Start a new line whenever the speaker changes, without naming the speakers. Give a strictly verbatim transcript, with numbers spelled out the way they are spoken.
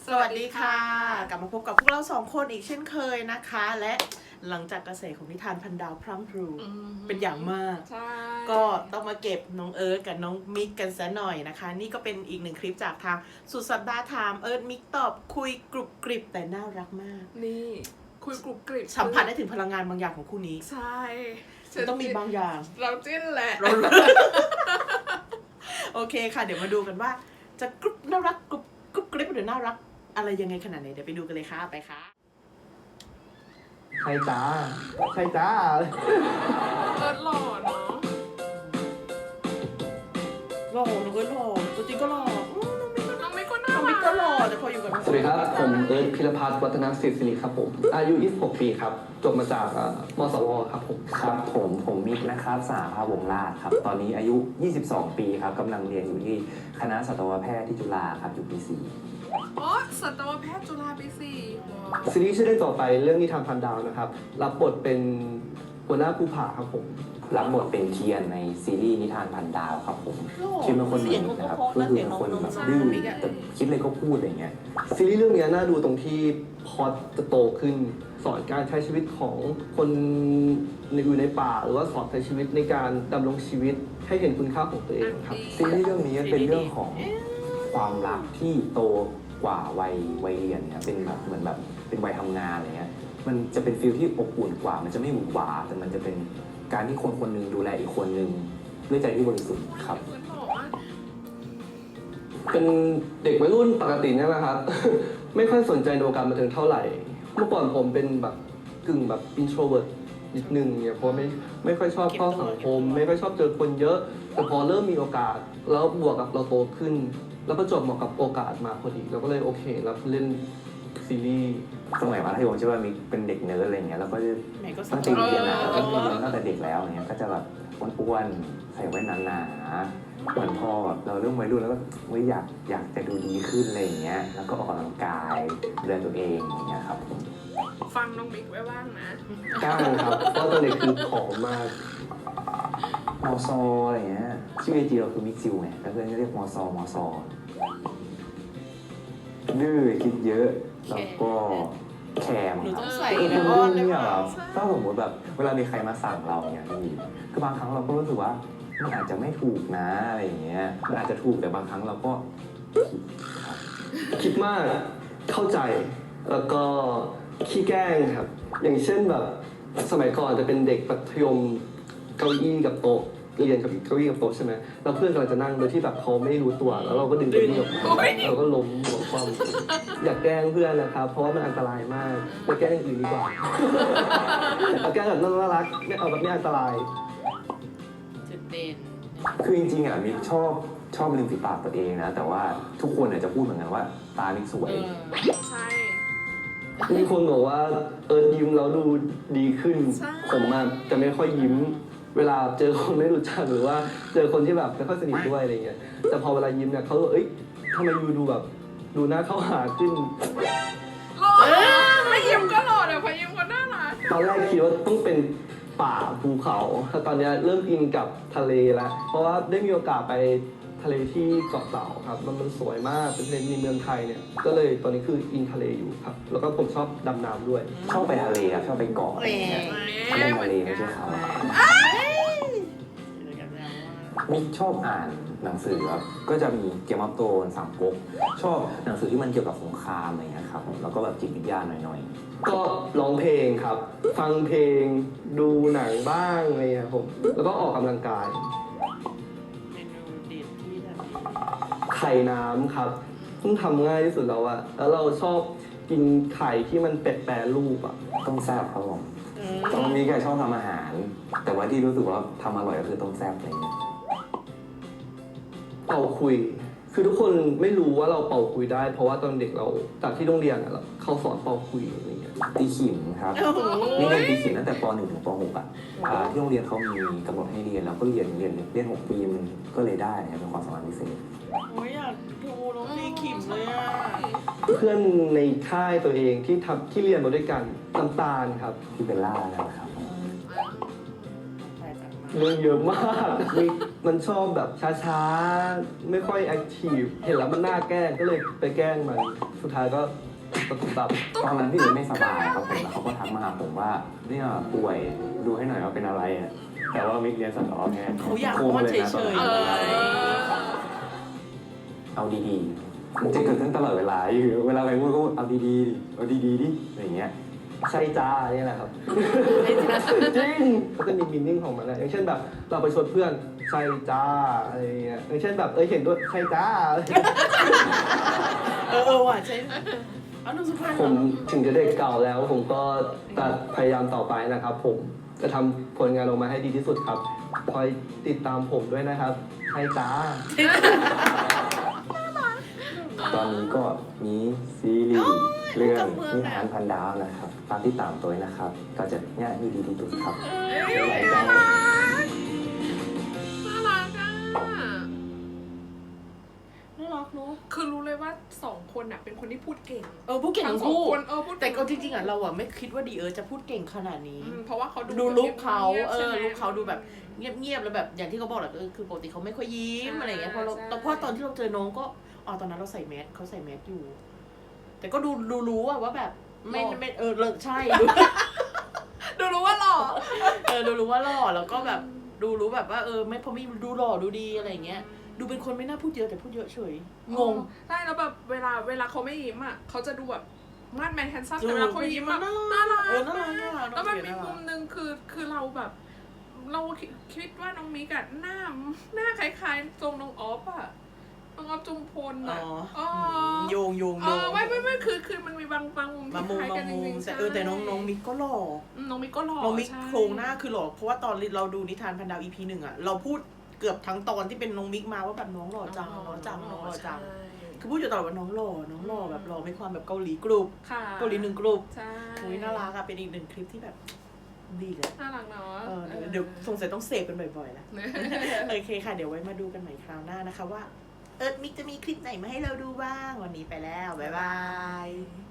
สวัสดีค่ะกลับมาพบกับพวกเราสองคนอีกเช่นเคยนะคะ และหลังจากกระแสของนิทานพันดาวพรั่งพรูเป็นอย่างมากก็ต้องมาเก็บน้องเอิร์ธกับน้องมิกกันซะหน่อยนะคะ นี่ก็เป็นอีกหนึ่งคลิปจากทางสุดสัปดาห์ถามเอิร์ธมิกตอบคุยกรุบกริบแต่น่ารักมาก
นี่คุยกรุบกริบ
สัมผัสได้ถึงพลังงานบางอย่างของคู่นี้
ใช่
มันต้องมีบางอย่าง
เราจิ้นแหละ
โอเคค่ะเดี๋ยวมาดูกันว่าจะกรุบน่ารักกรุบกรุบกริบหรือน่ารักอะไรยังไงขนาดไหนเดี๋ยวไปดูกันเลยค่ะไปค่ะ
ใช่จ้าใช่จ้า
เอิร์ธหล่อเนาะ
หล่อน้องเอิร์ธหล่อตัวจริงก็หล่อ
น้องมิกก็น่า
น้องมิกก็หล่อแต่พออยู่กับน้อง
สวัสดีครับผมเอิร์ธพิรพัฒน์วัฒนศิริครับผมอายุยี่สิบหกปีครับจบมาจากมสวครับผม
ครับผมผมมิกนะครับสหภาพวงศ์ราชครับตอนนี้อายุยี่สิบสองปีครับกำลังเรียนอยู่ที่คณะสัตวแพทย์ที่จุฬาครับอยู่ปีสี่
อ๋อสัตวแพทย์จุฬาปีสี่
ซีรีส์ชื่อเรื่องต่อไปเรื่องนิทานพันดาวนะครับรับบทเป็นหัวหน้าภูผาครับผม
รับบทเป็นเทียนในซีรีส์นิทานพันดาวครับผมคิดเป็นคนหนึ่งนะครับก็คือเป็นคนแบบดื้อแต่คิดเลยก็พูดอะไรเงี้ย
ซีรีส์เรื่องนี้น่าดูตรงที่พอจะโตขึ้นสอนการใช้ชีวิตของคนอยู่ในป่าหรือว่าสอนใช้ชีวิตในการดำรงชีวิตให้เห็นคุณค่าของตัวเองครับ
ซีรีส์เรื่องนี้เป็นเรื่องของความรักที่โตกว่าวัยวัยเรียนเนี่ยเป็นแบบเหมือนแบบเป็นวัยทำงานอะไรเงี้ยมันจะเป็นฟีลที่อบอุ่นกว่ามันจะไม่หวือหวาแต่มันจะเป็นการที่คนคนหนึ่งดูแลอีกคนหนึ่งด้วยใจที่บริสุทธิ์ครับ
เป็นเด็กวัยรุ่นปกติเนี่ยนะครับ ไม่ค่อยสนใจในวงการบันเทิงเท่าไหร่เมื่อก่อนผมเป็นแบบกึ่งแบบ introvert นิดนึงเนี่ยเพราะไม่ไม่ค่อยชอบเข้าสังคมไม่ค่อยชอบเจอคนเยอะแต่พอเริ่มมีโอกาสแล้วบวกกับเราโตขึ้นแล้วประจวบเหมาะกับโอกาสมาพอดีเราก็เลยโอเครับเล่นซีรีส์
สมัยมัธยมใช่ป่ะมีเป็นเด็กเนิร์ดอะไรเงี้ยแล้วก็จะตั้งใจเรียนนะแล้วก็เรียนตั้งแต่เด็กแล้วเงี้ยก็จะแบบอ้วนๆใส่แว่นหนาๆเหมือนพอเราเริ่มวัยรุ่นแล้วก็ไม่อยากอยากจะดูดีขึ้นอะไรเงี้ยแล้วก็ออกกำลังกายดูแลตัวเองอย่างเงี้ยครับผม
ฟังน้องมิกไว้บ้างนะ
กล้าครับเพราะตอนเด็กคือผอมมาก
มอซออะไรเงี้ยชื่อไอจีเราคือมิกซิลไงแล้วเพื่อนก็เรียกมอซอมอซอดื้อคิดเยอะแล้วก็แคม
ครับใส่
คือคนดื้อเนี่ยแบบถ้าสมมติแบบเวลามีใครมาสั่งเราเนี่ยพี่คือบางครั้งเราก็รู้สึกว่ามันอาจจะไม่ถูกนะอะไรอย่างเงี้ยมันอาจจะถูกแต่บางครั้งเราก็
คิดมากเข้าใจแล้วก็ขี้แกล้งครับอย่างเช่นแบบสมัยก่อนจะเป็นเด็กมัธยมเก้าอี้กับโต๊ะเรียนกับเก้าอี้กับโต๊ะใช่ไหมแล้วเพื่อนกำลังจะนั่งโดยที่แบบเขาไม่รู้ตัวแล้วเราก็ดึงเก้าอี้ออกมาเราก็ล้มหัวคว่ำอยากแกล้งเพื่อนนะครับเพราะว่ามันอันตรายมากไปแกล้งอื่นดีกว่าเอาแกล้งแบบน่ารักไม่เอาแบบไม่อันตราย
จุดเด่น
คือจริงๆอ่ะมิกชอบชอบริมฝีปากตัวเองนะแต่ว่าทุกคนอาจจะพูดเหมือนกันว่าตามิกสวย
ใช่
มีคนบอกว่าเอิร์ธยิ้มแล้วดูดีขึ้นผมอะจะไม่ค่อยยิ้มเวลาเจอคนไม่รู้จักหรือว่าเจอคนที่แบบไม่ค่อยสนิทด้วยอะไรเงี้ยแต่พอเวลายิ้มเนี่ยเขาเอ้ยทำไมยูดูแบบดูหน้าเข้าหาขึ้น
หล่อไม่ยิ้มก็หล่อเดี๋ยวพอยิ้มก็น่ารัก
ตอนแรกคิดว่าต้องเป็นป่าภูเขาแต่ตอนนี้เริ่มอินกับทะเลแล้วเพราะว่าได้มีโอกาสไปทะเลที่เกาะเต่าครับมันมันสวยมากเป็นทะเลในเมืองไทยเนี่ยก็เลยตอนนี้คืออินทะเลอยู่ครับแล้วก็ผมชอบดำน้ำด้วย
ชอบไปทะเลครับชอบไปเกาะอะไรเงี้ยเล่นทะเลไม่ใช่เขามิกชอบอ่านหนังสือครับก็จะมีเกมอัพโตนสามก๊กชอบหนังสือที่มันเกี่ยวกับสงครามอะไรเงี้ยครับแล้วก็แบบจิตวิทยาหน่อย
ๆก็ร้องเพลงครับฟังเพลงดูหนังบ้างอะไรเงี้ยผมแล้วก็ออกกำลังกายไข่น้ำครับเพิ่งทำง่ายที่สุดแล้วอะแล้วเราชอบกินไข่ที่มันแปรรูปอะ
ต้มแซ่บครับผมตอนนี้แกชอบทำอาหารแต่ว่าที่รู้สึกว่าทำอร่อยก็คือต้มแซ่บอะไรเงี้ย
เป่าคุยคือทุกคนไม่รู้ว่าเราเป่าคุยได้เพราะว่าตอนเด็กเราจากที่โรงเรียนอะเขาสอนเป่าคุยอะไรเงี้ย
ตีขิมครับนี่เรียนตีขิมตั้งแต่ป หนึ่ง ถึงป หก อ่ะที่โรงเรียนเขามีกำหนดให้เรียนแล้วก็เรียนเรียนเรียนหกปีมันก็เลยได้นะครับเป็นความสามารถพิเศษ
โอ้ยอยากดูน้องตีขิมเลยอ่ะ
เพื่อนในค่ายตัวเองที่ทำที่เรียนมาด้วยกันน้ำตาลครับ
ที่เป็นล่านะครับ
เรื่องเยอะมากมิกมันชอบแบบช้าๆไม่ค่อยแอคทีฟเห็นแล้วมันน่าแกล้งก็เลยไปแกล้งมันสุดท้ายก็ตะตุบตับ
ตอนนั้นพี่เอิร์ธไม่สบายครับผมแล้วเขาก็ทักมาหาผมว่าเนี่ยป่วยดูให้หน่อยว่าเป็นอะไรอ่ะแต่ว่ามิกเรียนสัตว์ออฟไง
เขาอยาก
โค้ง
อ้อน
เลย
เฉ
นะ
ย
ตอน
ๆ
นั้น
เลย
เอาดีๆมันจะเกิดขึ้นตลอดเวลาอยู่เวลาใครพูดก็เอาดีๆดิเอาดีๆดิอะไรอย่างเงี้ย
ใช่จ้าเนี่ยแหละครับจริงเขาจะมีมินนิ่งของมันนะอย่างเช่นแบบเราไปชวนเพื่อนใช่จ้าอะไรเงี้ยอย่างเช่นแบบเอ้ยเห็นด้วยใช่จ้า
เออเออว่ะใช่เอาหนูสุพรรณ
ผมถึงจะเด็กเก่าแล้ว ผมก็จะพยายามต่อไปนะครับ ผมจะทำผลงานออกมาให้ดีที่สุดครับคอยติดตามผมด้วยนะครับใช่จ้า
ตอนนี้ก็มีซีรีส์เรื่องนิทานพันดาวนะครับตามที่ตามตัวนะครับ ก็จะเนี่ยมีดีที่สุดครับ
เอ้ย
หลาย
น่า
เจ้า
รักน่ารักอ่ะ
น่ารักเนอะ
คือรู้เลยว่าสองคนอ่ะเป็นคนที่พูดเก่ง
เออพูดเก่งทั้ง
สอง
คู่
คนเออพูด
แต่
เก่ง
ก็จริงๆอ่ะเราอ่ะไม่คิดว่าดีเออจะพูดเก่งขนาดนี้
อืมเพราะว่าเขาดู
ดูลุคเขา
งียบๆ
เออ
ใช่ไหม
ลุคเขาดูแบบ เงียบๆแล้วแบบอย่างที่เขาบอกแหละเออคือปกติเขาไม่ค่อยยิ้ม
ใช่
อะไรอย่างเงี้ยพอเรา
ใช่
แต่พอตอนที่เราเจอน้องก็อ๋อตอนนั้นเราใส่แมสเขาใส่แมสอยู่ แต่ก็ดูดูรู้อะว่าแบบไม่ไม่เออเลิกใช่ดู
ดูรู้ว่าหล่อ
เออดูรู้ว่าหล่อแล้วก็แบบดูรู้แบบว่าเออไม่พอไม่ดูหล่อดูดีอะไรอย่างเงี้ยดูเป็นคนไม่น่าพูดเยอะแต่พูดเยอะเฉยงง
ใช่แล้วแบบเวลาเวลาเขาไม่ยิ้มอ่ะเขาจะดูแบบมาดแมนแฮนซัม
ดู
แต่เวลาเขายิ้มอ่ะ
น่ารัก
น่ารัก
เออน่ารักน่ารัก
แล้วแบบ
น้องเก๋
มี
น่ารัก
มุมหนึงคือคือเราแบบ เราคิดว่าน้องมิกอะหน้าหน้าคล้ายๆทรงน้องออฟอะน้องออฟจุมพล
อ๋
อะ
อ
อ๋อ
โยงโยง
เอ
โย
อง ไม่ไม่ไม่คือคือมันมีบางบางมุม
บาง
ที่
มุม
คล้าย
บา
กั
ง
นจ
มุม
ริงๆ
แต่เออแต่น้องน้องมิกก็หล่อ
อืมน้องมิกก็หล่อ
น้องมิก
ใช่
โครงหน้าคือหล่อเพราะว่าตอนเราดูนิทานพันดาว อี พี หนึ่งอะเราพูดเกือบทั้งตอนที่เป็นน้องมิกมาว่าแบบน้องหล่อจังน้องหล่อจังน้องหล่อจัง
ใช่
คือพูดอยู่ตลอดว่าน้องหล่อน้องหล่อแบบหล่อมีความแบบเกาหลีกรุบ
ค่ะ
เกาหลีหนึ่งกรุบ
ใช่
โอ้ยน่ารักอะเป็นอีกหนึ่งคลิปที่แบบดีเลย
น่ารักเนาะ
เออเดี๋ยวเดี๋ยวสงสัยต้องเสพกันบ่อยๆแล้ว โอเคค่ะ เดี๋ยวไว้มาดูกันใหม่คราวหน้านะคะว่า เอิร์ธมิกจะมีคลิปไหนมาให้เราดูบ้าง วันนี้ไปแล้ว บ๊ายบาย